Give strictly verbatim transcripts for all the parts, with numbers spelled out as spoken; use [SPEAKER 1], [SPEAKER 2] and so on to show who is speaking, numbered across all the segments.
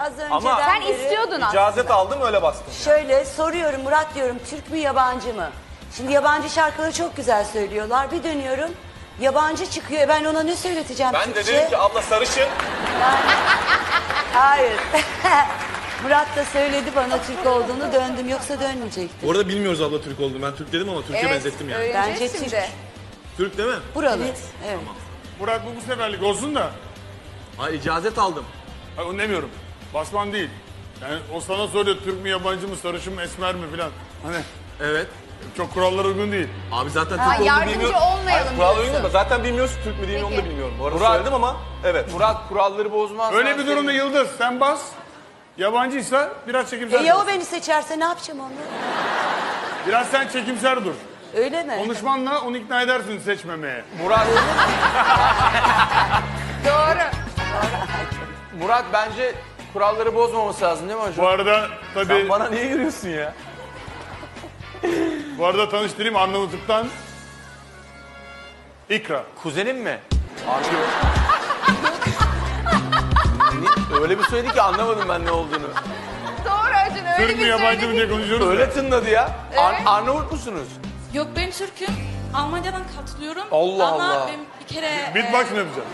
[SPEAKER 1] Az önceden
[SPEAKER 2] Ama
[SPEAKER 3] Sen
[SPEAKER 1] beri-
[SPEAKER 3] istiyordun aslında.
[SPEAKER 2] icazet aldım öyle bastım.
[SPEAKER 1] Şöyle soruyorum Murat diyorum, Türk mü yabancı mı? Şimdi yabancı şarkıları çok güzel söylüyorlar. Bir dönüyorum yabancı çıkıyor. E ben ona ne söyleteceğim
[SPEAKER 2] Ben de
[SPEAKER 1] Türkçe?
[SPEAKER 2] dedim ki abla sarışın.
[SPEAKER 1] Hayır. Murat da söyledi bana Türk olduğunu, döndüm, yoksa dönmeyecektim.
[SPEAKER 2] Orada bilmiyoruz abla Türk olduğunu. Ben Türk dedim ama Türk'e
[SPEAKER 3] Evet,
[SPEAKER 2] benzettim yani.
[SPEAKER 3] öğreneceğiz
[SPEAKER 1] Bence
[SPEAKER 3] şimdi.
[SPEAKER 1] Türk.
[SPEAKER 2] Türk değil mi?
[SPEAKER 1] Buralı. Evet.
[SPEAKER 4] Murat bu bu seferlik olsun da.
[SPEAKER 2] Ay icazet aldım.
[SPEAKER 4] Hayır, onu demiyorum. Basman değil. Yani o sana soruyor Türk mü yabancı mı sarışın mı esmer mi filan. Hani
[SPEAKER 2] Evet.
[SPEAKER 4] çok kurallara uygun değil.
[SPEAKER 2] Abi zaten
[SPEAKER 3] Ha,
[SPEAKER 2] Türk olduğunu
[SPEAKER 3] yardımcı
[SPEAKER 2] bilmiyorum.
[SPEAKER 3] olmayalım
[SPEAKER 2] Hayır, kural
[SPEAKER 3] diyorsun.
[SPEAKER 2] uygun da zaten bilmiyorsun Türk mü değil mi onu da
[SPEAKER 3] Peki.
[SPEAKER 2] bilmiyorum. Bu arada
[SPEAKER 5] Murat-
[SPEAKER 2] söyledim ama evet.
[SPEAKER 5] Murat kuralları bozmaz.
[SPEAKER 4] Öyle bir durumda Yıldız sen bas. Yabancıysa biraz
[SPEAKER 1] E
[SPEAKER 4] çekimser
[SPEAKER 1] ya
[SPEAKER 4] dur.
[SPEAKER 1] o beni seçerse ne yapacağım onu?
[SPEAKER 4] Biraz sen çekimser dur.
[SPEAKER 1] Öyle mi?
[SPEAKER 4] Konuşmanla onu ikna edersin seçmemeye.
[SPEAKER 5] Murat.
[SPEAKER 3] Doğru.
[SPEAKER 5] Murat bence kuralları bozmaması lazım değil mi hocam?
[SPEAKER 4] Bu arada
[SPEAKER 2] Sen
[SPEAKER 4] tabii
[SPEAKER 2] bana niye yürüyorsun ya?
[SPEAKER 4] bu arada tanıştırayım Arnavutluk'tan İkra.
[SPEAKER 5] Kuzenin mi? Abi Ni- öyle bir söyledi ki anlamadım ben ne olduğunu.
[SPEAKER 3] Doğru Acun öyle
[SPEAKER 4] Türk mü
[SPEAKER 3] bir
[SPEAKER 4] yabancı mı
[SPEAKER 3] söyledin.
[SPEAKER 4] diye konuşuyoruz.
[SPEAKER 5] Öyle
[SPEAKER 4] ya.
[SPEAKER 5] tınladı ya. Ar-
[SPEAKER 3] Evet.
[SPEAKER 5] Arnavut musunuz?
[SPEAKER 6] Yok ben Türk'üm. Almanya'dan katılıyorum.
[SPEAKER 5] Allah
[SPEAKER 6] Ama
[SPEAKER 5] Allah.
[SPEAKER 6] ben bir kere...
[SPEAKER 4] Beatbox
[SPEAKER 6] e,
[SPEAKER 4] mı yapacağım?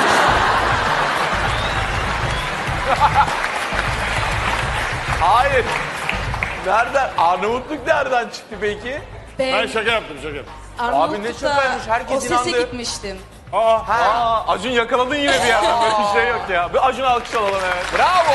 [SPEAKER 5] Hayır. Nereden? Arnavutluk nereden çıktı peki?
[SPEAKER 6] ben
[SPEAKER 4] Ben şaka yaptım şaka yaptım.
[SPEAKER 6] Arnavutluk'ta
[SPEAKER 5] Abi ne şakaymış, herkes
[SPEAKER 6] o sese
[SPEAKER 5] inandı.
[SPEAKER 6] gitmiştim.
[SPEAKER 4] Aa,
[SPEAKER 2] Aa, Acun yakaladın yine bir ya. Böyle bir şey yok ya. Bir Acun alkış alalım evet.
[SPEAKER 5] Bravo.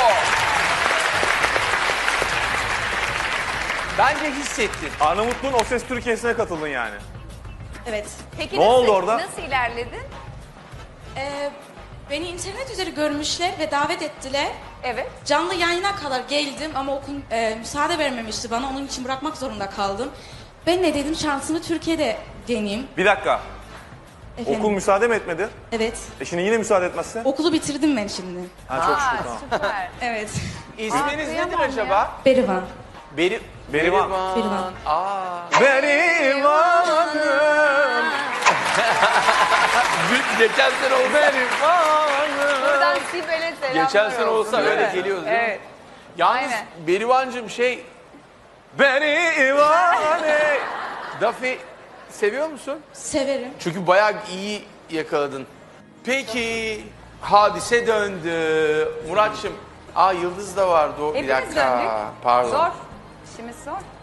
[SPEAKER 5] Bence hissettin.
[SPEAKER 2] Arnavutluğun O Ses Türkiye'sine katıldın yani.
[SPEAKER 6] Evet.
[SPEAKER 3] Peki
[SPEAKER 2] Ne
[SPEAKER 3] nasıl,
[SPEAKER 2] oldu orada?
[SPEAKER 3] Nasıl ilerledin?
[SPEAKER 6] E, beni internet üzeri görmüşler ve davet ettiler.
[SPEAKER 3] Evet.
[SPEAKER 6] Canlı yayına kadar geldim ama okul e, müsaade vermemişti bana. Onun için bırakmak zorunda kaldım. Ben ne dedim şansımı Türkiye'de deneyeyim.
[SPEAKER 2] Bir dakika.
[SPEAKER 6] Efendim?
[SPEAKER 2] Okul müsaade mi etmedi?
[SPEAKER 6] Evet.
[SPEAKER 2] E şimdi yine müsaade etmezse?
[SPEAKER 6] Okulu bitirdim ben şimdi.
[SPEAKER 2] Ha çok
[SPEAKER 3] Aa,
[SPEAKER 2] şükür tamam.
[SPEAKER 3] süper.
[SPEAKER 6] Evet.
[SPEAKER 5] İsminiz nedir
[SPEAKER 3] kıyamam
[SPEAKER 5] acaba?
[SPEAKER 6] Berivan.
[SPEAKER 5] Beri
[SPEAKER 2] Berivan.
[SPEAKER 6] Berivan.
[SPEAKER 5] Aa.
[SPEAKER 2] Berivanım.
[SPEAKER 5] Geçen sene olsa
[SPEAKER 3] Buradan Sibel'e selamlar
[SPEAKER 5] Geçen sene
[SPEAKER 3] olsun,
[SPEAKER 5] olsa
[SPEAKER 3] değil
[SPEAKER 5] öyle
[SPEAKER 3] mi?
[SPEAKER 5] geliyoruz değil
[SPEAKER 3] Evet.
[SPEAKER 5] mi? Yalnız
[SPEAKER 3] Aynen.
[SPEAKER 5] Berivancığım şey
[SPEAKER 2] Berivane.
[SPEAKER 5] Dafi seviyor musun?
[SPEAKER 6] Severim.
[SPEAKER 5] Çünkü bayağı iyi yakaladın. Peki hadise döndü. Muratçım. Aa Yıldız da vardı o. Bir
[SPEAKER 3] Hepimiz
[SPEAKER 5] dakika.
[SPEAKER 3] döndük.
[SPEAKER 5] Pardon.
[SPEAKER 3] Zor. İşimiz zor.